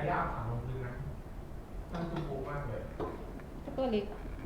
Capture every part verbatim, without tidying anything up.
ยากถามลงพื้นนะนั่นคือโกมากเลยตัวเล็ก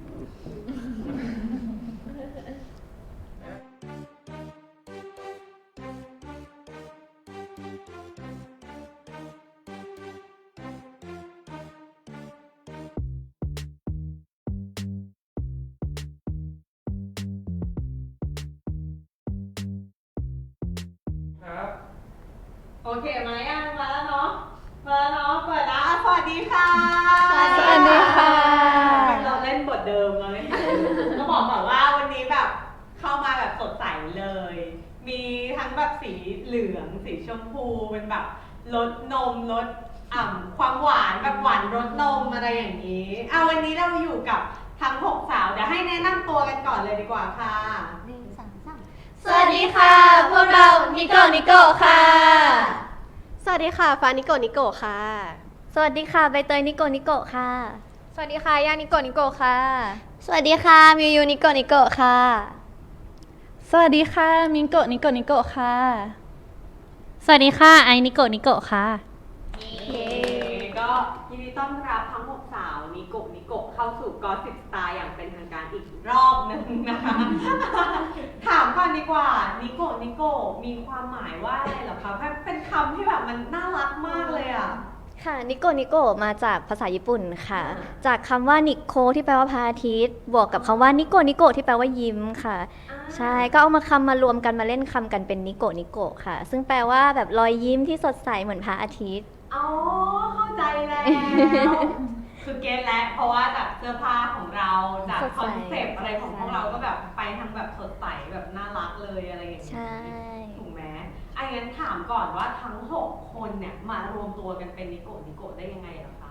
ครับโอเคมายังมาแล้วเนาะมาแล้วเนาะเปิดแล้วสวัสดีค่ะสวัสดีค่ะเราเล่นบทเดิมเลยก็บอกก่อนว่าวันนี้แบบเข้ามาแบบสดใสเลย มีทั้งแบบสีเหลืองสีชมพูเป็นแบบรสนมรสอ่ำความหวานแบบหวานรสนมอะไรอย่างนี้เอาวันนี้เราอยู่กับทั้งหกสาวเดี๋ยวให้แนะนำตัวกันก่อนเลยดีกว่าค่ะหนึ่งสองสามสวัสดีค่ะพวกเรานิโกนิโกค่ะสวัสดีค่ะฟ้านิโกนิโกค่ะสวัสดีค่ะใบเตยนิโกนิโกค่ะสวัสดีค่ะย่านิโกนิโกค่ะสวัสดีค่ะมิวยูนิโกนิโกค่ะสวัสดีค่ะมิงโกนิโกนิโกค่ะสวัสดีค่ะไอนิโกนิโกค่ะก็ยินดีต้อนรับทั้งหกสาวนิโกนิโกเข้าสู่กอสิบสไตล์อย่างเป็นทางการอีกรอบหนึ่งนะคะ ถามก่อนดีกว่านิโกนิโกมีความหมายว่าอะไรเหรอคะเป็นคำที่แบบมันน่ารักมากเลยอ่ะค่ะนิโกนิโกมาจากภาษาญี่ปุ่นค่ะจากคำว่านิโคที่แปลว่าพระอาทิตย์บวกกับคำว่านิโกนิโกที่แปลว่ายิ้มค่ะใช่ก็เอามาคำมารวมกันมาเล่นคำกันเป็นนิโกนิโกค่ะซึ่งแปลว่าแบบรอยยิ้มที่สดใสเหมือนพระอาทิตย์อ๋อเข้าใจแล้วคือเก็ตแล้วเพราะว่าจากเสื้อผ้าของเราจากคอนเซปต์อะไรของพวกเราก็แบบไปทางแบบสดใสแบบน่ารักเลยอะไรอย่างนี้ใช่ถูกไหมไอ้งั้นถามก่อนว่าทั้งหกคนเนี่ยมารวมตัวกันเป็นนิโกนิโกได้ยังไงเหรอคะ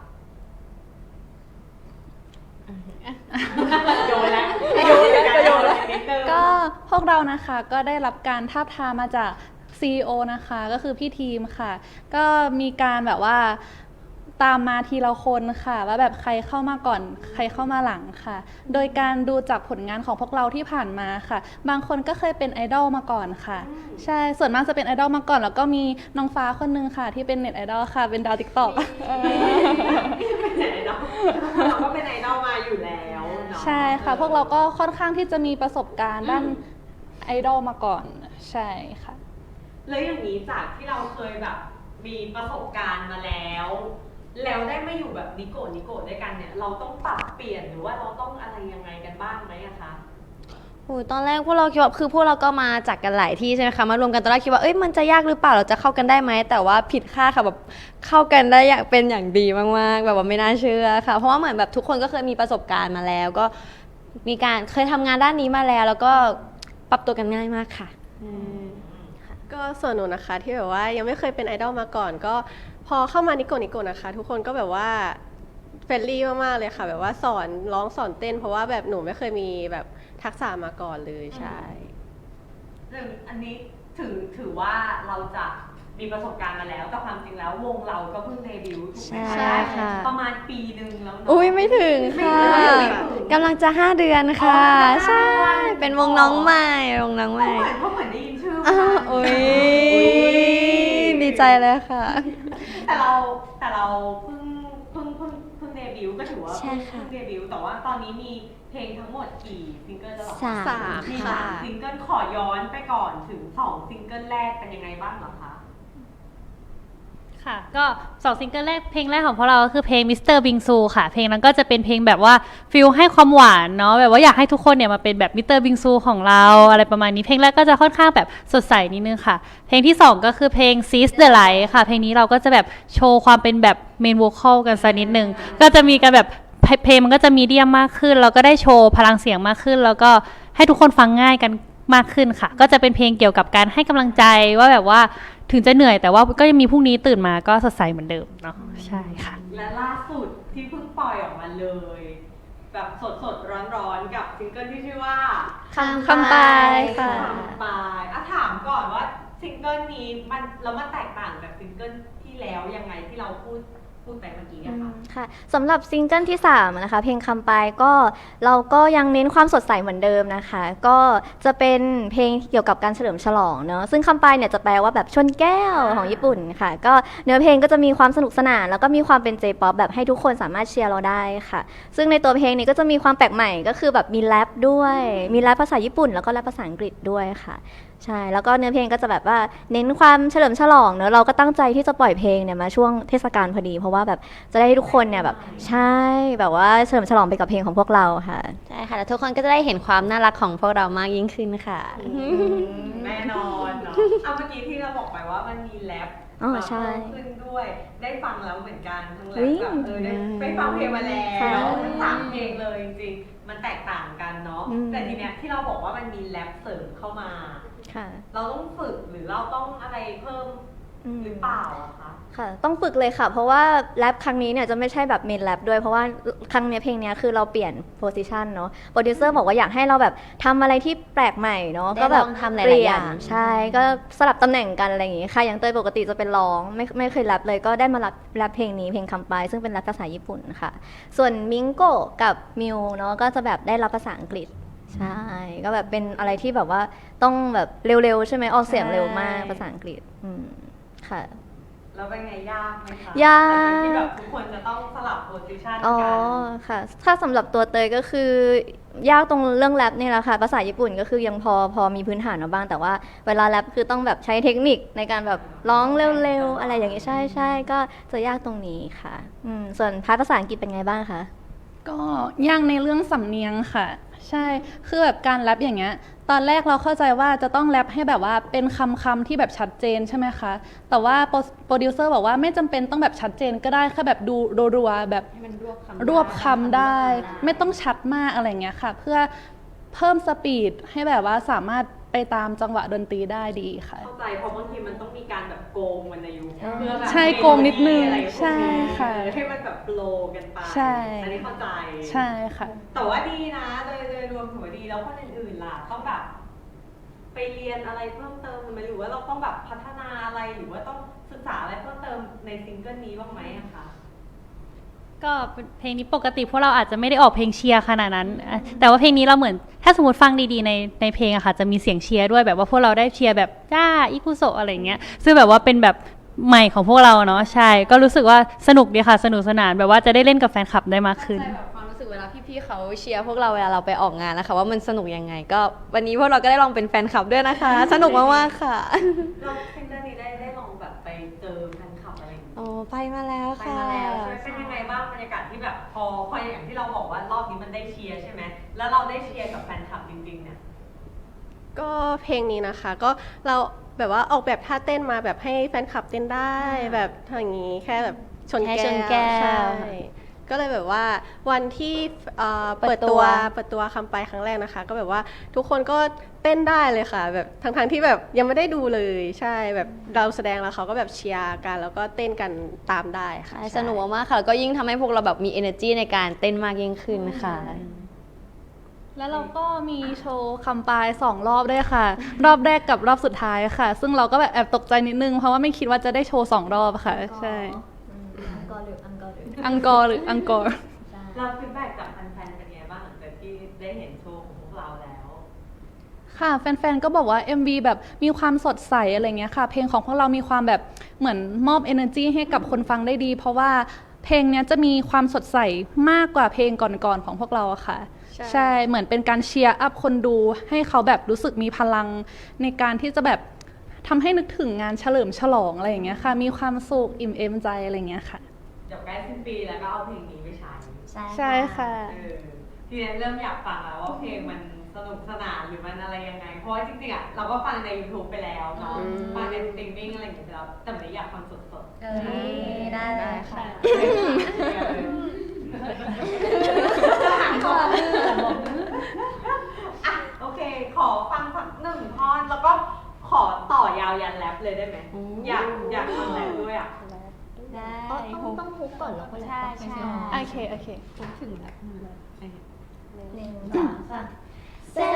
โยนแล้วโยนแล้วโยนแล้วก็พวกเรานะคะก็ได้รับการทาบทามมาจาก ซี อี โอ นะคะก็คือพี่ทีมค่ะก็มีการแบบว่าตามมาทีละคนค่ะว่าแบบใครเข้ามาก่อนใครเข้ามาหลังค่ะโดยการดูจากผลงานของพวกเราที่ผ่านมาค่ะบางคนก็เคยเป็นไอดอลมาก่อนค่ะใช่ส่วนมากจะเป็นไอดอลมาก่อนแล้วก็มีน้องฟ้าคนนึงค่ะที่เป็นเน็ตไอดอลค่ะเป็นดาวติ๊กต็อกเป็นไอดอลเราก็เป็นไอดอลมาอยู่แล้วใช่ค่ะพวกเราก็ค่อนข้างที่จะมีประสบการณ์ด้านไอดอลมาก่อนใช่ค่ะแล้วอย่างนี้จากที่เราเคยแบบมีประสบการณ์มาแล้วแล้วได้มาอยู่แบบนิโกนิโกด้วยกันเนี่ยเราต้องปรับเปลี่ยนหรือว่าเราต้องอะไรยังไงกันบ้างไหมอะคะโอ้ตอนแรกพวกเราคิดว่าคือพวกเราก็มาจากกันหลายที่ใช่ไหมคะมารวมกันตอนแรกคิดว่าเอ้ยมันจะยากหรือเปล่าเราจะเข้ากันได้ไหมแต่ว่าผิดคาดค่ะแบบเข้ากันได้อย่างเป็นอย่างดีมากๆแบบว่าไม่น่าเชื่อค่ะเพราะว่าเหมือนแบบทุกคนก็เคยมีประสบการณ์มาแล้วก็มีการเคยทำงานด้านนี้มาแล้วแล้วก็ปรับตัวกันง่ายมากค่ะก็ส่วนหนูนะคะที่แบบว่ายังไม่เคยเป็นไอดอลมาก่อนก็พอเข้ามานิโกนิโกนะคะทุกคนก็แบบว่าเฟรนลี่มากๆเลยค่ะแบบว่าสอนร้องสอนเต้นเพราะว่าแบบหนูไม่เคยมีแบบทักษะมาก่อนเลยใช่เรื่องอันนี้ถือถือว่าเราจะมีประสบการณ์มาแล้วแต่ความจริงแล้ววงเราก็เพิ่งเดบิวต์ถูกไหมคะประมาณปีหนึ่งแล้วเนาะอุ้ยไม่ถึงค่ะกำลังจะห้าเดือนค่ะใช่เป็นวงน้องใหม่วงน้องใหม่เพราะเหมือนได้ยินชื่ออุ้ยดีใจเลยค่ะแต่เราแต่เราเพิ่งเพิ่งเพิ่งเพิ่งเดบิวต์ก็ถือว่าเพิ่งเดบิวต์แต่ว่าตอนนี้มีเพลงทั้งหมดกี่ซิงเกิลแล้วหรอสามมีสามซิงเกิลขอย้อนไปก่อนถึงสองซิงเกิลแรกเป็นยังไงบ้างเหรอคะค่ะก็สองซิงเกิลแรกเพลงแรกของพวกเราก็คือเพลง มิสเตอร์ Bingsu ค่ะเพลงนั้นก็จะเป็นเพลงแบบว่าฟีลให้ความหวานเนาะแบบว่าอยากให้ทุกคนเนี่ยมาเป็นแบบ มิสเตอร์ Bingsu ของเราอะไรประมาณนี้เพลงแรกก็จะค่อนข้างแบบสดใสนิดนึงค่ะเพลงที่สองก็คือเพลง Seize the Light ค่ะเพลงนี้เราก็จะแบบโชว์ความเป็นแบบเมนโวคอลกันสักนิดนึงก็จะมีกันแบบเพลงมันก็จะมีเดียมมากขึ้นเราก็ได้โชว์พลังเสียงมากขึ้นแล้วก็ให้ทุกคนฟังง่ายกันมากขึ้นค่ะก็จะเป็นเพลงเกี่ยวกับการให้กำลังใจว่าแบบว่าถึงจะเหนื่อยแต่ว่าก็ยังมีพรุ่งนี้ตื่นมาก็สดใสเหมือนเดิมเนาะใช่ค่ะและล่าสุดที่เพิ่งปล่อยออกมาเลยแบบสดสดร้อนร้อนกับซิงเกิลที่ชื่อว่าคำคำปลายค่ะคำปลายอ่ะถามก่อนว่าซิงเกิลนี้มันแล้วมันแตกต่างจากซิงเกิลที่แล้วยังไงที่เราพูดพูดไปเมื่อกี้อือะมค่ะค่ะสำหรับซิงเกิลที่สามนะคะเพลงคำไปก็เราก็ยังเน้นความสดใสเหมือนเดิมนะคะ ก็จะเป็นเพลงเกี่ยวกับการเฉลิมฉลองเนอะซึ่งคำไปเนี่ยจะแปลว่าแบบชนแก้วของญี่ปุ่นค่ะ ก็เนื้อเพลงก็จะมีความสนุกสนานแล้วก็มีความเป็น J-pop แบบให้ทุกคนสามารถเชียร์เราได้ค่ะ ซึ่งในตัวเพลงนี้ก็จะมีความแปลกใหม่ก็คือแบบมีแรปด้วยมีแรปภาษาญี่ปุ่นแล้วก็แรปภาษาอังกฤษด้วยค่ะ ใช่แล้วก็เนื้อเพลงก็จะแบบว่าเน้นความเฉลิมฉลองเนอะเราก็ตั้งใจที่จะปล่อยเพลงเนี่ยมาช่วงเทศกาลพอดี เพราะว่าแบบจะได้ให้ทุกคนเนี่ยแบบใช่แบบว่าเฉลิมฉลองไปกับเพลงของพวกเราค่ะใช่ค่ะแล้วทุกคนก็จะได้เห็นความน่ารักของพวกเรามากยิ่งขึ้นค่ะแน่นอนเนาะเอาเมื่อกี้ที่เราบอกไปว่ามันมีแรปอ๋อมาใช่เพิ่มขึ้นด้วย ได้ฟังแล้วเหมือนกันทั้งแรอุ๊ปยแบบเออได้ไปฟังเพลงมาแล้วค่ะทั้งสามเพลงเลยจริงๆมันแตกต่างกันเนาะอืมแต่ทีเนี้ยที่เราบอกว่ามันมีแรปเสริมเข้ามาค่ะเราต้องฝึกหรือเราต้องอะไรเพิ่มอืมหรือเปล่าอะคะค่ะต้องฝึกเลยค่ะ เพราะว่าแรปครั้งนี้เนี่ยจะไม่ใช่แบบเมนแรปด้วยเพราะว่าครั้งเนี้ยเพลงเนี้ยคือเราเปลี่ยนโพสิชันเนาะโปรดิวเซอร์บอกว่าอยากให้เราแบบทำอะไรที่แปลกใหม่เนาะได้ก็แบบลองทำหลายๆเปลี่ยอน ย่างใช่ก็สลับตำแหน่งกันอะไรอย่างงี้ค่ะอย่างเตยปกติจะเป็นร้องไม่ไม่เคยแรปเลยก็ได้มารับแรปเพลงนี้เพลงคำไปซึ่งเป็นแรปภาษาญี่ปุ่นค่ะ ส่วนมิงโกะกับมิวเนาะก็จะแบบได้รับภาษาอังกฤษใช่ก็แบบเป็นอะไรที่แบบว่าต้องแบบเร็วๆใช่ไหมออกเสียงเร็วมากภาษาอังกฤษอืมค่ะแล้วเป็นไงยากไหมคะยากที่แบบทุกคนจะต้องสลับโพสิชันอ๋อกันค่ะ ถ้าสำหรับตัวเตยก็คือยากตรงเรื่องแรปนี่แหละค่ะภาษาญี่ปุ่นก็คือยังพอพอมีพื้นฐานมาบ้างแต่ว่าเวลาแรปคือต้องแบบใช้เทคนิคในการแบบร้องเร็วๆอะไรอย่างงี้ใช่ใช่ก็จะยากตรงนี้ค่ะอืมส่วนพาร์ทภาษาอังกฤษเป็นไงบ้างคะก็ยากในเรื่องสำเนียงค่ะ ใช่คือแบบการแรปอย่างเงี้ยตอนแรกเราเข้าใจว่าจะต้องแรปให้แบบว่าเป็นคำคำที่แบบชัดเจนใช่ไหมคะแต่ว่าโปรโปรดิวเซอร์บอกว่าไม่จำเป็นต้องแบบชัดเจนก็ได้แค่แบบดูรัวๆแบบรวบคำได้ ไม่ต้องชัดมากอะไรเงี้ยค่ะ เพื่อเพิ่มสปีดให้แบบว่าสามารถไปตามจังหวะดนตรีได้ดีค่ะเข้าใจเพราะบางทีมันต้องมีการแบบโกงวรรณยุกต์เพื่อแบบใช่โกงนิดนึงอะไรพวกนี้ใช่ค่ะให้มันแบบโลกันไปใช่อันนี้เข้าใจใช่ค่ะแต่ว่าดีนะโดยโดยรวมถือว่าดีแล้วคนอื่นๆล่ะต้องแบบไปเรียนอะไรเพิ่มเติมไหมหรือว่าเราต้องแบบพัฒนาอะไรหรือว่าต้องศึกษาอะไรเพิ่มเติมในซิงเกิลนี้บ้างไหมอะคะก็เพลงนี้ปกติพวกเราอาจจะไม่ได้ออกเพลงเชียร์ขนาดนั้นอ่ะแต่ว่าเพลงนี้เราเหมือนถ้าสมมติฟังดีๆในในเพลงอะค่ะจะมีเสียงเชียร์ด้วยแบบว่าพวกเราได้เชียร์แบบจ้าอิคุโซะอะไรเงี้ยซึ่งแบบว่าเป็นแบบใหม่ของพวกเราเนาะใช่ก็รู้สึกว่าสนุกดีค่ะสนุกสนานแบบว่าจะได้เล่นกับแฟนคลับได้มากขึ้นใช่แบบความรู้สึกเวลาพี่ๆเขาเชียร์พวกเราเวลาเราไปออกงานนะคะว่ามันสนุกยังไงก็วันนี้พวกเราก็ได้ลองเป็นแฟนคลับด้วยนะคะ สนุกมากๆค่ะเราซิงเกิลนี้ได้ได้ลองแบบไปเจอแฟนคลับอะไรอย่างเงี้ยโอ้ไปมาแล้วไปค่ะมาแล้วใช่ไหมเป็นยังไงบ้างบรรยากาศที่แบบพอพออย่างที่เราบอกว่ารอบนี้มันได้เชียร์ใช่ไหมแล้วเราได้เชียร์กับแฟนคลับจริงๆเนี่ยก็เพลงนี้นะคะก็เราแบบว่าออกแบบท่าเต้นมาแบบให้แฟนคลับเต้นได้แบบอย่างนี้แค่แบบชนแค่แก้ชนแก้วใช่ก็เลยแบบว่าวันที่เอ่อเปิเปิดดตัตัว วเปิดตัวคำไปครั้งแรกนะคะ ก็แบบว่าทุกคนก็เต้นได้เลยค่ะ แบบทั้งๆที่แบบยังไม่ได้ดูเลยใช่แบบเราแสดงแล้วเขาก็แบบเชียร์กันแล้วก็เต้นกันตามได้ค่ะใช่สนุกมากๆค่ะแล้วก็ยิ่งทำให้พวกเราแบบมี energy ในการเต้นมากยิ่งขึ้นค่ะแล้วเราก็มีโชว์คำปลายสองรอบด้วยค่ะ รอบแรกกับรอบสุดท้ายค่ะ ซึ่งเราก็แบบแอบตกใจนิดนึงเพราะว่าไม่คิดว่าจะได้โชว์สองรอบค่ะ ใช่อังกอร์หรืออังกอร์หรืออังกอร์หรืออังกอร์เราฟีดแบ็กจากแฟนๆเป็นไงบ้างหลังจากที่ได้เห็นโชว์ของพวกเราแล้วค่ะแฟนๆ ก็บอกว่า เอ็ม วี แบบมีความสดใสอะไรเงี้ยค่ะ เพลงของพวกเรามีความแบบเหมือนมอบ energy ให้กับคนฟังได้ดี เพราะว่าเพลงเนี้ยจะมีความสดใสมากกว่าเพลงก่อนๆของพวกเราอะค่ะใช่ใช่เหมือนเป็นการเชียร์อัพคนดูให้เขาแบบรู้สึกมีพลังในการที่จะแบบทำให้นึกถึงงานเฉลิมฉลองอะไรอย่างเงี้ยค่ะ มีความสุขอิ่มเอมใจอะไรเงี้ยค่ะเดี๋ยวใกล้สิ้นปีแล้วก็เอาเพลงนี้ไปใช้ใช่ค่ะเออทีนี้เริ่มอยากฟังแล้วว่าเพลงมันสนุกสนานหรือมันอะไรยังไง เพราะว่าจริงๆอ่ะเราก็ฟังใน YouTube ไปแล้วเนาะอืมฟังในสตรีมมิ่งอะไรอย่างเงี้ยแล้วแต่ไม่ได้อยากฟังสดๆเออได้ได้ค่ะอ่ะโอเค ขอฟังสักหนึ่งท่อนแล้วก็ขอต่อยาวยันแรปเลยได้ไหมอยากอยากฟังแรปด้วยอ่ะได้ต้องต้องฮุกก่อนแล้วก็แรปใช่ใช่โอเคโอเคหนึ่งสองสาม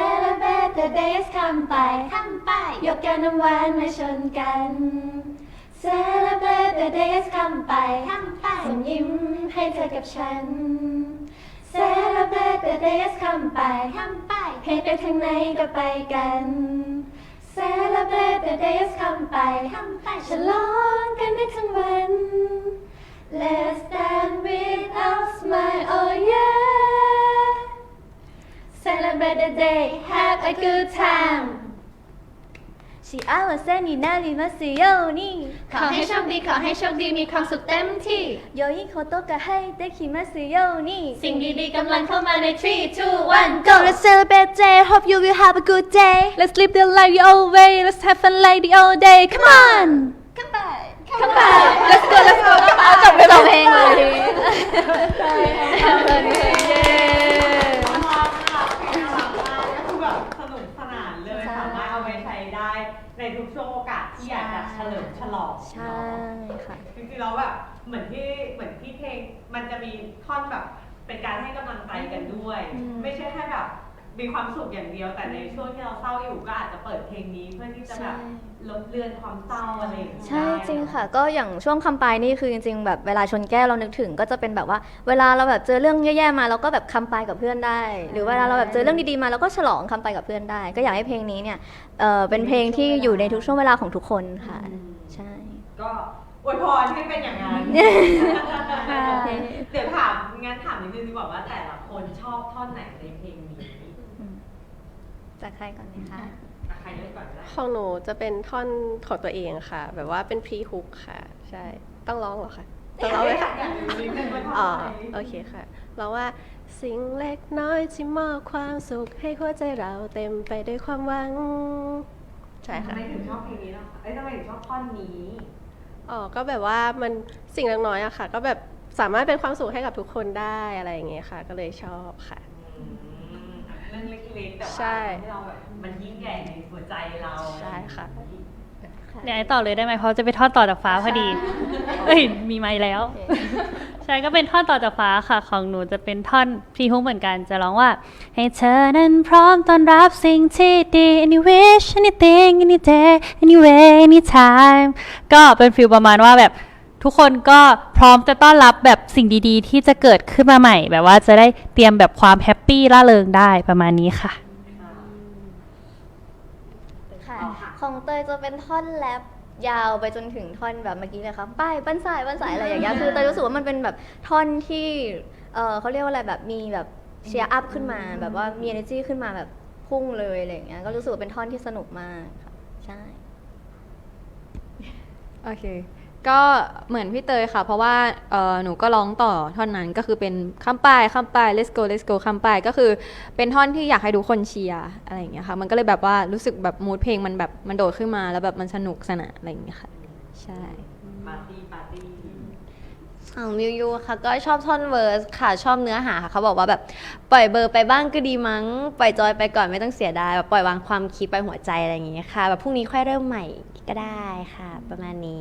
Celebrate the days คำไปคำไปยกแก้วน้ำหวานมาชนกัน Celebrate the days คำไปคำไปส่งยิ้มให้เธอกับฉัน Celebrate the days คำไปคำไปให้ไปทางไหนก็ไปกัน Celebrate the days คำไปคำไปฉลองกันได้ทั้งวัน Let's dance without smile oh yeah Celebrate the day have a good time 幸せになりますようにขอให้โชคดีขอให้โชคดีมีความสุขเต็มที่良いことがให้できますようにสิ่งดีๆกำลังเข้ามาใน three two one Go let's celebrate day hope you will have a good day Let's live the life the old way Let's have fun like the old day Come on เข้าไป Come on Let's go Let's go จบไปสองเพลงเลยเย้น่ารักมากน่ารักมากก็คือแบบสนุกสนานเลยใช่สามารถเอาไปใช้ได้ในทุกช่วงโอกาสที่อยากจะเฉลิมฉลองใช่เนาะค่ะจริงๆแล้วแบบเหมือนที่เหมือนที่เพลงมันจะมีท่อนแบบเป็นการให้กำลังใจกันด้วยอืมไม่ใช่แค่แบบมีความสุขอย่างเดียวแต่ในช่วงที่เราเศร้าอยู่ก็อาจจะเปิดเพลงนี้เพื่อที่จะแบบลดเลือนความเศร้าอะไรอย่างเงี้ยใช่จริงค่ะ ก็อย่างช่วงคำปลายนี่คือจริงๆแบบเวลาชนแก้วเรานึกถึงก็จะเป็นแบบว่าเวลาเราแบบเจอเรื่องแย่ๆมาเราก็แบบคำปลายกับเพื่อนได้ หรือเวลาเราแบบเจอเรื่องดีๆมาเราก็ฉลองคำปลายกับเพื่อนได้ ก็อยากให้เพลงนี้เนี่ยเออเป็นเพลงที่อยู่ในทุกช่วงเวลาของทุกคนค่ะใช่ก็อวยพรให้เป็นอย่างนั้น เดี๋ยวถามงั้นถามนิดนึงดีกว่าว่าแต่ละคนชอบท่อนไหนในเพลงนี้จากใครก่อนเลยคะอ่ะใครเริ่มก่อนก็ได้ของหนูจะเป็นท่อนของตัวเองค่ะ แบบว่าเป็นพรีฮุกค่ะ ใช่ ต้องร้องเหรอคะต้องร้องไหมคะอยากรู้นิดนึงว่าอ๋อทำไมโอเคค่ะ เราว่าสิ่งเล็กน้อยที่มอบความสุขให้หัวใจเราเต็มไปด้วยความหวัง ใช่ทำค่ะไมถึงชอบเพลงนี้ล่ะคะเอ้ยทำไมถึงชอบท่อนนี้อ๋อ ก็แบบว่ามันสิ่งเล็กน้อยอะค่ะ ก็แบบสามารถเป็นความสุขให้กับทุกคนได้อะไรอย่างเงี้ยค่ะ ก็เลยชอบค่ะอืมเรื่องเล็กๆแต่ว่าใช่ทำให้เราแบบมันยิ่งใหญ่ในหัวใจเราใช่ค่ะเดี๋ยวไอ้ต่อเลยได้ไหมเพราะจะไปทอดต่อจากฟ้าพอดี เอ้ย มีไม้แล้ว ใช่ก็เป็นท่อนต่อจากฟ้าค่ะ ของหนูจะเป็นท่อนพรีฮุกเหมือนกัน จะร้องว่า ให้เธอนั้นพร้อมต้อนรับสิ่งที่ดี any wish anything any day anyway anytime ก็เป็นฟีลประมาณว่าแบบทุกคนก็พร้อมจะต้อนรับแบบสิ่งดีๆ ที่จะเกิดขึ้นมาใหม่ แบบว่าจะได้เตรียมแบบความแฮปปี้ร่าเริงได้ประมาณนี้ค่ะค่ะของเตยจะเป็นท่อนแรปยาวไปจนถึงท่อนแบบเมื่อกี้เลยค่ะป้ายปั้นสายปั้นสายอะไรอย่างเงี้ยคือเตยรู้สึกว่ามันเป็นแบบท่อนที่เออเขาเรียกว่าอะไรแบบมีแบบเชียร์อัพขึ้นมาแบบว่ามี energy ขึ้นมาแบบพุ่งเลยอะไรอย่างเงี้ยก็รู้สึกว่าเป็นท่อนที่สนุกมากค่ะใช่โอเค ก็เหมือนพี่เตยค่ะ เพราะว่าเอ่อหนูก็ร้องต่อท่อนนั้นก็คือเป็นข้ามป้ายข้ามป้าย let's go let's go ข้ามป้ายก็คือเป็นท่อนที่อยากให้ทุกคนเชียร์อะไรอย่างเงี้ยค่ะ มันก็เลยแบบว่ารู้สึกแบบมูดเพลงมันแบบมันโดดขึ้นมาแล้วแบบมันสนุกสนานอะไรอย่างเงี้ยค่ะ ใช่ปาร์ตี้ปาร์ตี้ของมิวยูค่ะก็ชอบท่อนเวิร์สค่ะชอบเนื้อหาค่ะเขาบอกว่าแบบปล่อยเบอร์ไปบ้างก็ดีมั้งปล่อยจอยไปก่อนไม่ต้องเสียดายแบบปล่อยวางความคิดไปหัวใจอะไรอย่างเงี้ยค่ะแบบพรุ่งนี้ค่อยเริ่มใหม่ก็ได้ค่ะ ประมาณนี้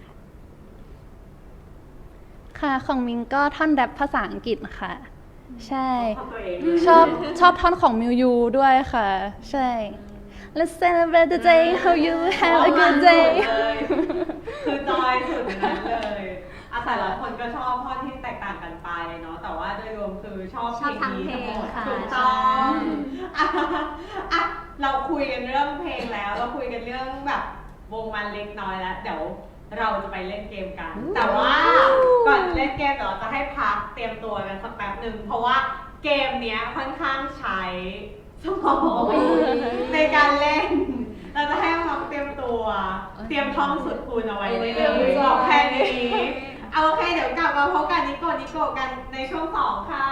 ค่ะของมิงก็ท่อนแรปภาษาอังกฤษค่ะ ใช่ชอบตัวเองชอบชอบท่อนของมิวยูด้วยค่ะ ใช่ Let's celebrate the day how you have a good day เลยคือจอยสุดนั้นเลยอาแต่ละคนก็ชอบท่อนที่แตกต่างกันไปเนาะแต่ว่าโดยรวมคือชอบเพลงนี้ทั้งหมดชอบทั้งเพลงค่ะถูกต้องอ่ะอ่ะเราคุยกันเรื่องเพลงแล้ว เราคุยกันเรื่องแบบวงมันเล็กน้อยแล้ว เดี๋ยวเราจะไปเล่นเกมกัน แต่ว่าก่อนเล่นเกมเดี๋ยวเราจะให้พักเตรียมตัวกันสักแป๊บหนึ่งเพราะว่าเกมเนี้ยค่อนข้างใช้สมองในการเล่น เราจะให้น้องเตรียมตัว เตรียมท่องสุดคูณเอาไว้ได้เลยบอกแค่นี้เอาโอเคเดี๋ยวกลับมาพบกันนิโกะนิโกะกันในช่วงสองค่ะ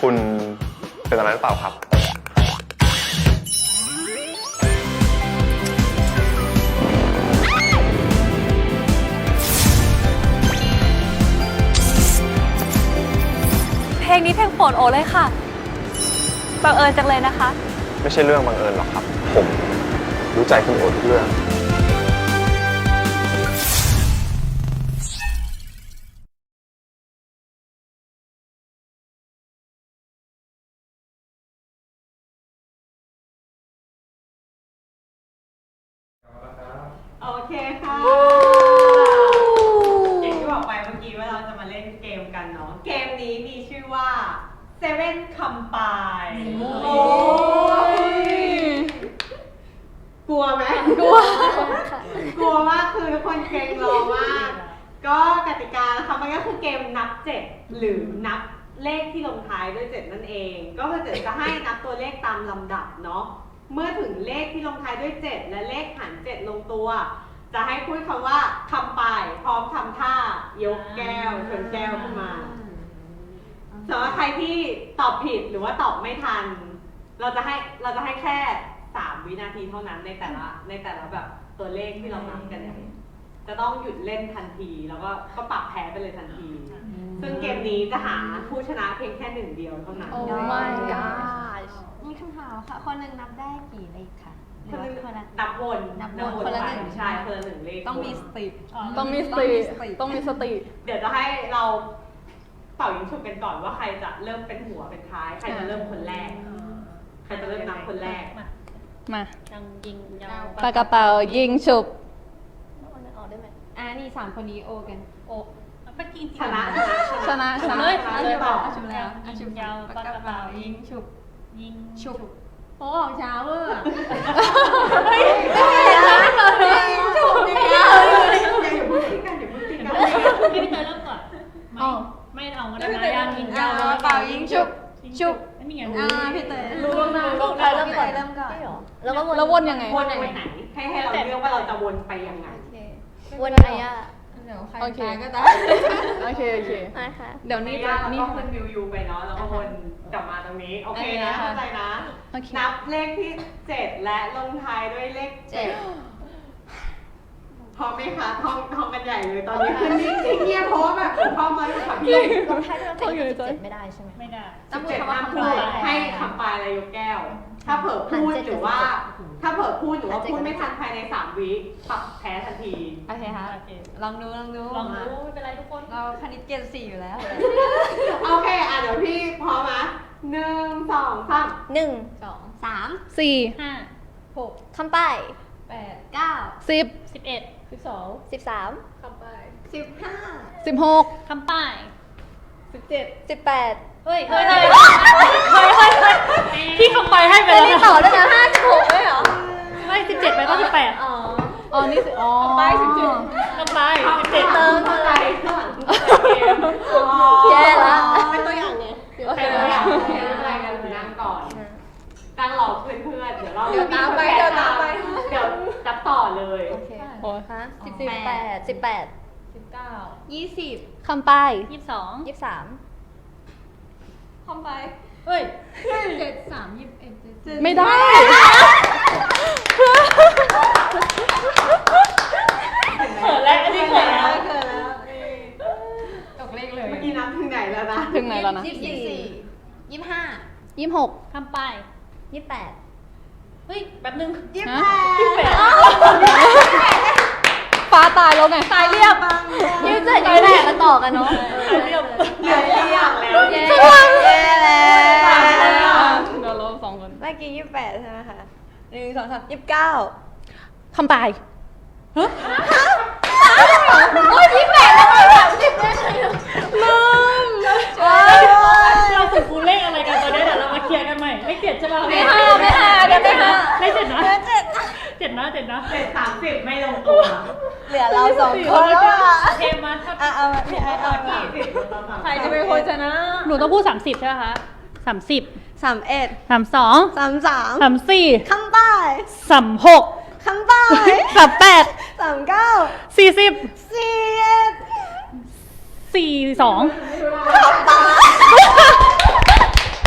คุณเป็นอะไรหรือเปล่าครับเพลงนี้เพลงโปรดโอเลยค่ะบังเอิญจังเลยนะคะไม่ใช่เรื่องบังเอิญหรอกครับ ผมรู้ใจคุณโอทุกเรื่องโอเคค่ะอย่างที่บอกไปเมื่อกี้ว่าเราจะมาเล่นเกมกันเนาะ เกมนี้มีชื่อว่า Seven Combine โอ้ยกลัวไหมกลัว กลัวมากคือทุกคนเกรงรอมาก ก็กติกานะคะมันก็คือเกมนับเจ็ดหรือนับเลขที่ลงท้ายด้วยเจ็ดนั่นเอง ก็คือจะให้นับตัวเลขตามลำดับเนาะ เมื่อถึงเลขที่ลงท้ายด้วยเจ็ดและเลขหารเจ็ดลงตัว จะให้พูดคำว่าคำไปพร้อมทำท่ายกแก้วชนแก้วขึ้นมาสำหรับใครที่ตอบผิดหรือว่าตอบไม่ทัน เราจะให้เราจะให้แค่สามวินาทีเท่านั้นในแต่ละในแต่ละแบบตัวเลขที่เรานับกันเนี่ยจะต้องหยุดเล่นทันทีแล้วก็ก็ปรับแพ้ไปเลยทันที ซึ่งเกมนี้จะหาผู้ชนะเพียงแค่หนึ่งเดียวเท่านั้น Oh my gosh มีคำถามค่ะ คนหนึ่งนับได้กี่เลขคะหรือว่าคนละนับวนนับวนคนละหนึ่งใช่คนละหนึ่งเลขต้องมีสติต้องมีสติ ต้องมีสติเดี๋ยวจะให้เราเป่ายิงฉุบกันก่อนว่าใครจะเริ่มเป็นหัวเป็นท้าย ใครจะเริ่มคนแรก ใครจะเริ่มนับคนแรกมายังยิงยาวปากกระเป๋ายิงฉุบอ่านี่สามคนนี้โอกันโอ้ปกินชนะชนะชนะเลยชนะต่อชุบแล้วยิงยาวปากกระเป๋ายิงฉุบยิงฉุบโอ้ของเช้าเวอร์ฉุบนี่อย่าอย่าพูดทิ้งกันอย่าพูดทิ้งกันพี่พี่เตยเริ่มก่อนไม่ไม่เอาก็ได้นะยังยิงยาวเป่ายิงฉุบฉุบไม่มีไงอ่าพี่เตยรู้แล้วนะใครเริ่มก่อนเริ่มก่อนแล้วก็วนแล้ววนยังไงวนไปไหน ให้ให้เราเลือกว่าเราจะวนไปยังไงวนอะไรอ่ะเดี๋ยวใครโอเคตายก็ตายโอเค โอเคนะคะเดี๋ยวนี้นี่จะจะนี่นี่ขึ้นวิวยูไปเนาะแล้วก็วนกลับมาตรงนี้ โอเคนะเข้าใจนะโอเคนับเลขที่เจ็ดและลงท้ายด้วยเลขเจ็ดพร้อมไหมคะท่องท่องกันใหญ่เลยตอนนี้คือนิ่งๆเงียบเพราะว่าแบบผมเข้ามาเลยค่ะพี่ลงท้ายด้วยเลขเจ็ดไม่ได้ใช่ไหมไม่ได้สิบเจ็ดห้ามพูดให้คำปลายอะไรยกแก้ว ถ้าเผลอพูดหรือว่า ถ้าเผลอพูดหรือว่าพูดไม่ทันภายในสามวิปรับแพ้ทันทีโอเคค่ะโอเคลองดูลองดูลองดูไม่เป็นไรทุกคนเราคณิตเกณฑ์สี่อยู่แล้วโอเค อ่ะเดี๋ยวพี่พร้อมนะหนึ่งสองสามหนึ่งสองสามสี่ห้าหกคำป้ายแปดเก้าสิบสิบเอ็ดสิบสองสิบสามสิบห้าสิบหกคำป้ายสิบเจ็ดสิบแปดเฮ้ยเฮ้ยเฮ้ยเฮ้ยเฮ้ยเฮ้ยพี่คำไปให้ไปไม่แล้วได้นะต่อด้วยนะห้าสิบหกไม่เหรอไม่สิบเจ็ดไปก็สิบแปดอ๋ออ๋อ นี่สิอ๋อป้ายสิบเจ็ดคำไปสิบเจ็ดเติมอะไรข้างหลังเกมแย่ละเป็นตัวอย่างไงใครตัวอย่างใครอะไรกันนั่งก่อนตั้งรอเพื่อนๆเดี๋ยวเราเดี๋ยวตามไปเดี๋ยวตามไปเดี๋ยวจับต่อเลยโอเคโอ้ยฮะสิบแปดสิบแปดสิบเก้ายี่สิบคำป้ายยี่สิบสองยี่สิบสามคอมไปเฮ้ยเจ็ดสามยี่สิบเอ็ดเจ็ดไม่ได้เขินแล้วอันนี้เขินแล้วเกินแล้วตกเลขเลยเมื่อกี้นับถึงไหนแล้วนะถึงไหนแล้วนะยี่สิบสี่ยี่สิบห้ายี่สิบหกคำป้ายยี่สิบแปดเฮ้ยแป๊บนึงยี่สิบฮะแปดฟ้าตายแล้วไงตายเรียบยี่สิบเจ็ดยี่สิบแปดมาต่อกันเนาะตายเรียบเหลือเรียงแล้วเย้เย้แล้วเดี๋ยวเราสองคนเมื่อกี้ยี่สิบแปดใช่ไหมคะหนึ่งสองสามยี่สิบเก้าคำป้ายโอ้ยยี่สิบแปดแล้วก็สามสิบได้ไงอะเราฝึกคูเลขอะไรกันตอนนี้เดี๋ยวเรามาเคลียร์กันใหม่เลขเจ็ดใช่ป่ะไม่ห้าไม่ห้าเดี๋ยวไม่ห้าเลขเจ็ดนะเจ็ดเจ็ดนะเจ็ดนะเจ็ดสามสิบไม่ลงตัวเหลือเราสองคนแล้วอ่ะเทมมาถ้าอ่ะเอาพี่ไอ้เอายี่สิบเราสามใครจะเป็นคนชนะหนูต้องพูดสามสิบใช่ไหมคะสามสิบสามเอ็ดสามสองสามสามสามสี่คำป้ายสามหกคำป้ายสามแปดสามเก้าสี่สิบสี่เอ็ดสี่สองคำป้าย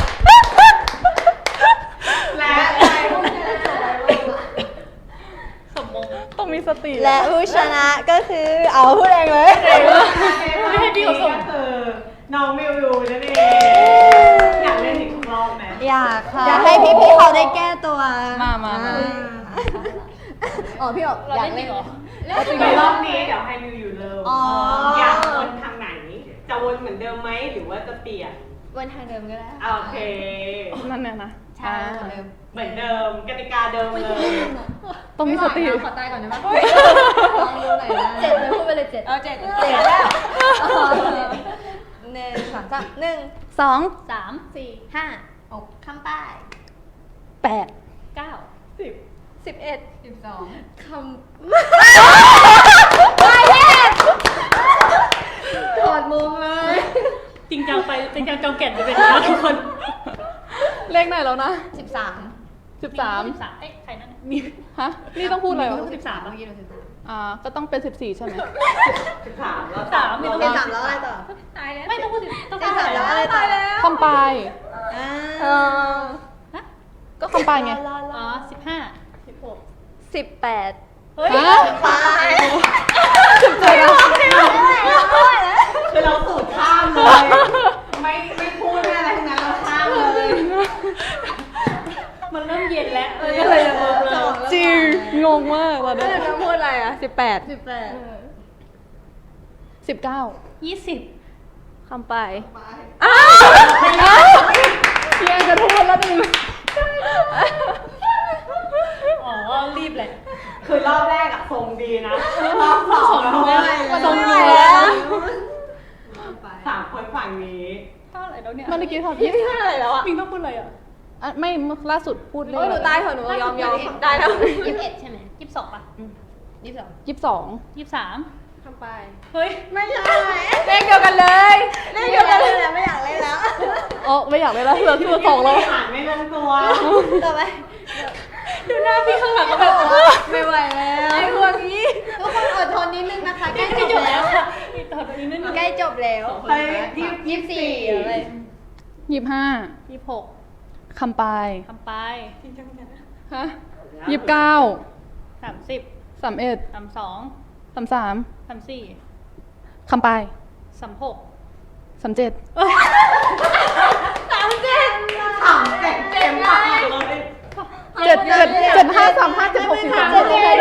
ติและผู้ชนะก็คือเอาพูดเองเลยไม่ให้พี่เขาส่งก็คือน้องมิวยูนั่นเองอยากเล่นอีกรอบไหมอยากค่ะอยากให้พี่ๆเขาได้แก้ตัวมามามาอ๋อพี่บอกอยากเล่นเหรอในรอบนี้เดี๋ยวให้มิวยูเริ่มอ๋ออยากวนทางไหน จะวนเหมือนเดิมไหมหรือว่าจะเปลี่ยนวนทางเดิมก็ได้โอเคนั่นเนี่ยนะใช่เหมือนเดิมเหมือนเดิมกติกาเดิมเลยต้องมีสติขอตายก่อนได้ไหมลองดูหน่อยนะเจ็ดเลยพูดไปเลยเจ็ดเอาเจ็ดเจ็ดแล้วหนึ่งสองสามหนึ่งสองสามสี่ห้าหกคำป้ายแปดเก้าสิบสิบเอ็ดสิบสองคำถอดมุมเลยจริงจังไปจริงจังจองแก่นไปเป็นนะทุกคนเลขไหนแล้วนะสิบสามสิบสามสิบสามเอ้ยใครนั่นน่ะมีฮะนี่ต้องพูดอะไรวะสิบสามเมื่อกี้เราสิบสามอ่าก็ต้องเป็นสิบสี่ใช่ไหมสิบสามแล้วสามไม่ต้องสิบสามแล้วอะไรต่อตายแล้วไม่ต้องพูดสิต้องสิบสามแล้วอะไรต่อคำปลายอ่าก็คำปลายไงอ๋อสิบห้าสิบแปดเฮ้ยฮะปลายสิบเจ็ดอะคือเราสูตรข้ามเลย ไม่ไม่พูดไม่อะไรทั้งนั้นเราข้ามเลยมันเริ่มเย็นแล้วเลยก็เลยจะเบิกเลยจริงงงมากตอนแล้วนี้เดี๋ยวน้ำพูดอะไรอ่ะสิบแปดสิบแปดสิบเก้ายี่สิบคำปลายพี่แอนจะพูดแล้วหนึ่งอ๋อรีบเลยคือรอบแรกอะทรงดีนะ รอบสองเราไม่ไหวทรงแล้วดีแล้วสามคนฝั่งนี้เท่าไหร่แล้วเนี่ยเมื่อกี้ทำยี่สิบห้าอะไรแล้วอะมิงต้องพูดอะไรอ่ะอ่ะไม่ล่าสุดพูดเลโอ้ยหนูตายเถอะหนูยอมยอมได้แล้วยี่สิบเอ็ดใช่ไหมยี่สิบสองป่ะยี่สิบสองยี่สิบสองยี่สิบสามคำปลายเฮ้ยไม่ใช่เลขเดียวกันเลยเลขเดียวกันเลยไม่อยากเล่นแล้วอ๋อไม่อยากเลยแล้วเหลือที่สองแล้วอ่านไม่ลงตัวต่อไปดูหน้าพี่ข้างหลังก็แบบไม่ไหวแล้วไอ้พวกนี้ทุกคนอดทนนิดนึงนะคะใกล้จไม่บจบแล้แล้ววค่ะอีกต่อไปนี้นิดนึงใกล้จบแล้วไปยี่สิบยี่สิบสี่อะไรยี่สิบห้ายี่สิบหกคำปลายทำไปฮะยี่สิบเก้าสามสิบสามเอ็ดสามสองสามสามสามสี่คำปลายสามหกสามเจ็ดสามเจ็ดเจ็ดมากเลยเจ็ดเจ็ดเจ็ดห้าสามห้าเจ็ดหกสี่สาม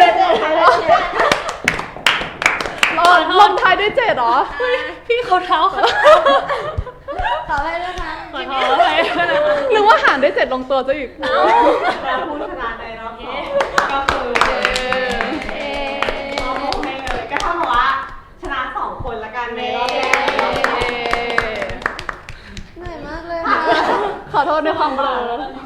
อ๋อลงท้ายด้วยเจ็ดเหรอพี่เขาเท้าเขาขอให้ด้วยค่ะขอโทษไปนึกว่าหารด้วยเจ็ดลงตัวซะอีกแล้วผู้ชนะในรอบสองก็คือโอเคเลยก็เท่ากับว่าชนะสองคนละกันในรอบแรกเหนื่อยมากเลยค่ะขอโทษในความเบลอ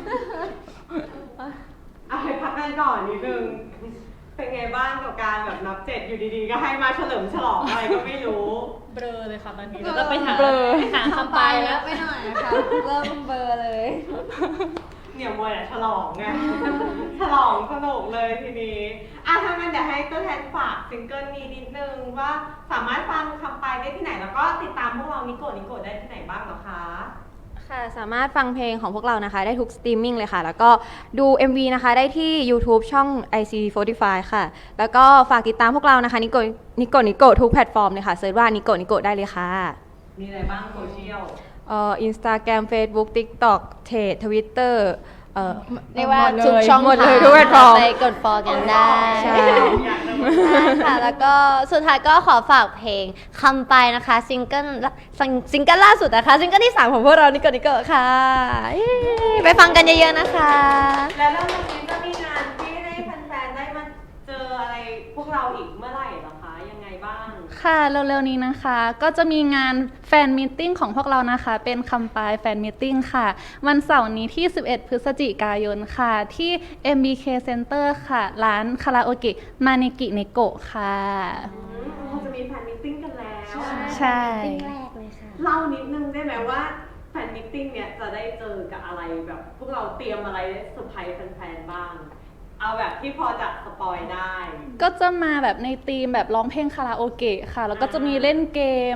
เอาไปพักกันก่อนนิดนึง เป็นไงบ้างกับการแบบนับเจ็ดอยู่ดีๆ ก็ให้มาเฉลิมฉลองอะไรก็ไม่รู้เบลอเลยค่ะตอนนี้แล้วก็ไปหาเบลอไปหาคำไปแล้วไปหน่อยค่ะเริ่มเบอร์เลยเนี่ยมวยอะฉลองไง ฉลองสนุกเลยทีนี้อ่ะถ้างั้นเดี๋ยวให้ตัวแทนฝากซิงเกิลนี้นิดนึงว่าสามารถฟังคำไปได้ที่ไหนแล้วก็ติดตามพวกเรานิโกะนิโกะได้ที่ไหนบ้างเหรอคะค่ะสามารถฟังเพลงของพวกเรานะคะได้ทุกสตรีมมิ่งเลยค่ะ แล้วก็ดู เอ็ม วี นะคะได้ที่ YouTube ช่อง ไอ ซี สี่สิบห้า ค่ะ แล้วก็ฝากติดตามพวกเรานะคะนิโกนิโกนิโกทุกแพลตฟอร์มเลยค่ะเซิร์ชว่านิโกนิโกได้เลยค่ะมีอะไรบ้างโซเชียลเอ่อ Instagram Facebook TikTok เทรด Twitter เอ่อเรียกว่าทุทุกกช่ช่ออง งหมดเลยทางทุกแพลตฟอร์มไปกด follow กันได้ ใช่อยากดูค่ะ แล้วก็สุดท้ายก็ขอฝากเพลงคำไปนะคะซิงเกิลซิงเกิลล่าสุดนะคะซิงเกิลที่สามของพวกเรานิโกนิโกค่ะเย้ไปฟังกันเยอะๆนะคะแล้วแล้ววันนี้จะมีงานที่ให้แฟนๆได้มาเจออะไรพวกเราอีกเมื่อไหร่เหรอคะยังไงบ้างค่ะเร็วๆนี้นะคะ ก็จะมีงานแฟนมีตติ้งของพวกเรานะคะ เป็นคำปลายแฟนมีตติ้งค่ะ วันเสาร์นี้ที่สิบเอ็ดพฤศจิกายนค่ะ ที่ เอ็ม บี เค Center ค่ะ ร้านคาราโอเกะมาเนกิเนโกะค่ะอืมเราจะมีแฟนมิทติ้งกันแล้วใช่เล่านิดนึงได้ไหมว่าแฟนมิทติ้งเนี่ยจะได้เจอกับอะไรแบบ พวกเราเตรียมอะไรเซอร์ไพรส์แฟนๆบ้าง เอาแบบที่พอจะสปอยได้ก็จะมาแบบในธีมแบบร้องเพลงคาราโอเกะค่ะ แล้วก็จะมีเล่นเกม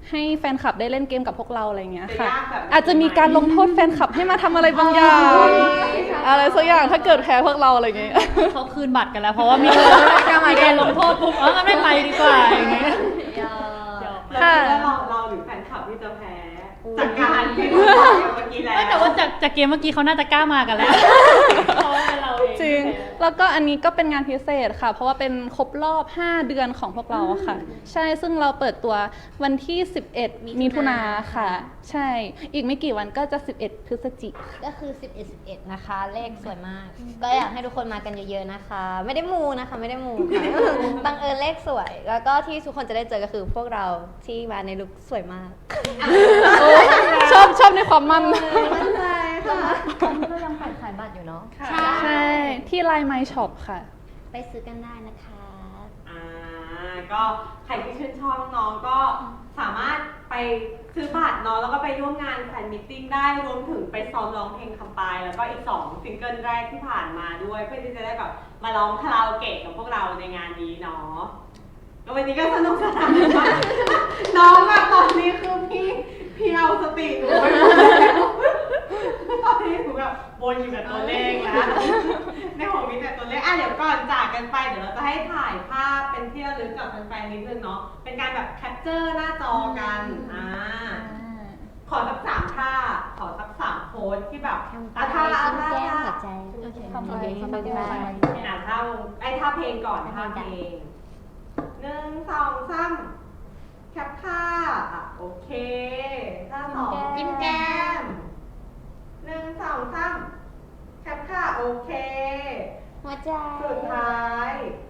ให้แฟนคลับได้เล่นเกมกับพวกเราอะไรเงี้ยค่ะจะยากแบบไหนอาจจะมีการลงโทษแฟนคลับให้มาทำอะไรบางอย่าง อะไรสักอย่างถ้าเกิดแพ้พวกเราอะไรเงี้ยเขาคืนบัตรกันแล้ว เพราะว่ามีมีการลงโทษปุ๊บเอองั้นไม่ไปดีกว่าอย่างเงี้ยค่ะแล้วเราเราหรือแฟนคลับที่จะแพ้จากการที่เราบอกเมื่อกี้แล้วไม่แต่ว่าจากจากเกมเมื่อกี้เขาน่าจะกล้ามากันแล้วเพราะว่าเป็นเราเองจริง แล้วก็อันนี้ก็เป็นงานพิเศษค่ะ เพราะว่าเป็นครบรอบ ห้า เดือนของพวกเราค่ะ ใช่ ซึ่งเราเปิดตัววันที่ สิบเอ็ด มิถุนาค่ะ ใช่ อีกไม่กี่วันก็จะ สิบเอ็ด พฤศจิกายนก็คือ สิบเอ็ด สิบเอ็ด นะคะ เลขสวยมาก ก็อยากให้ทุกคนมากันเยอะๆนะคะ ไม่ได้มูนะคะ ไม่ได้มูค่ะ บังเอิญเลขสวย แล้วก็ที่ทุกคนจะได้เจอก็คือพวกเราที่มาในลุคสวยมากชอบชอบในความมั่นมั่นใจค่ะตอนนี้เรายังขายขายบัตรอยู่เนาะใช่ ที่ไลน์ไมช็อปค่ะไปซื้อกันได้นะคะอ่าก็ใครที่ชื่นชอบน้องๆก็สามารถไปซื้อบัตรเนาะแล้วก็ไปร่วมงานแฟนมิทติ้งได้รวมถึงไปซ้อมร้องเพลงคำปายแล้วก็อีกสองซิงเกิลแรกที่ผ่านมาด้วยเพื่อที่จะได้แบบมาร้องคาราโอเกะกับพวกเราในงานนี้เนาะแล้ววันนี้ก็สนุกสนานมากน้องอะตอนนี้คือพี่พี่เอาสติหนูไปหมดแล้วตอนนี้หนูแบบวนอยู่กับตัวเลขแล้วในหัวมีแต่ตัวเลขอ่ะเดี๋ยวก่อนจากกันไปเดี๋ยวเราจะให้ถ่ายภาพเป็นที่ระลึกกับแฟนๆนิดนึงเนาะเป็นการแบบแคปเจอร์หน้าจอกันอ่าขอสักสามท่าขอสักสามโพสที่แบบอ่ะท่าอ่ะท่าท่าทำไปทำไปอ่ะท่าไอ้ท่าเพลงก่อนท่าเพลงหนึ่งสองสามแคปท่าอ่ะโอเคท่าสองยิ้มแก้มหนึ่งสองสามแคปท่าโอเคหัวใจสุดท้าย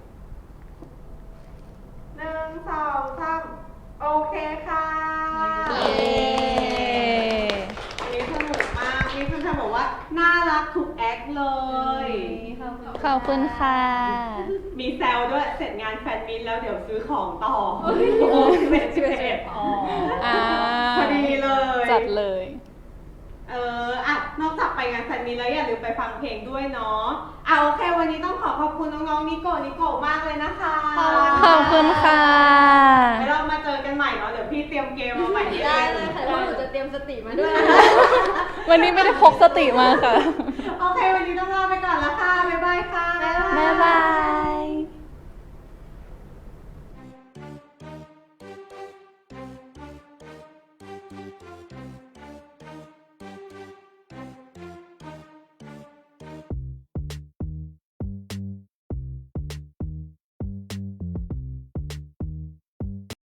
หนึ่งสองสามโอเคค่ะอันนี้สนุกมากนี่คุณชายบอกว่าน่ารักทุกแอคเลยขอบคุณค่ะมีแซวด้วยเสร็จงานแฟนมิตแล้วเดี๋ยวซื้อของต่อโอ้โหสิบเอ็ดสิบเอ็ดอ๋ออ่าพอดีเลยจัดเลยเอออ่ะนอกจากไปงานแฟนมิตแล้วอย่าลืมไปฟังเพลงด้วยเนาะอ่ะโอเควันนี้ต้องขอขอบคุณน้องๆนิโกะนิโกะมากเลยนะคะขอบคุณค่ะไว้เรามาเจอกันใหม่เนาะเดี๋ยวพี่เตรียมเกมมาใหม่ได้เลยค่ะแล้วหนูจะเตรียมสติมาด้วยวันนี้ไม่ได้พกสติมาค่ะ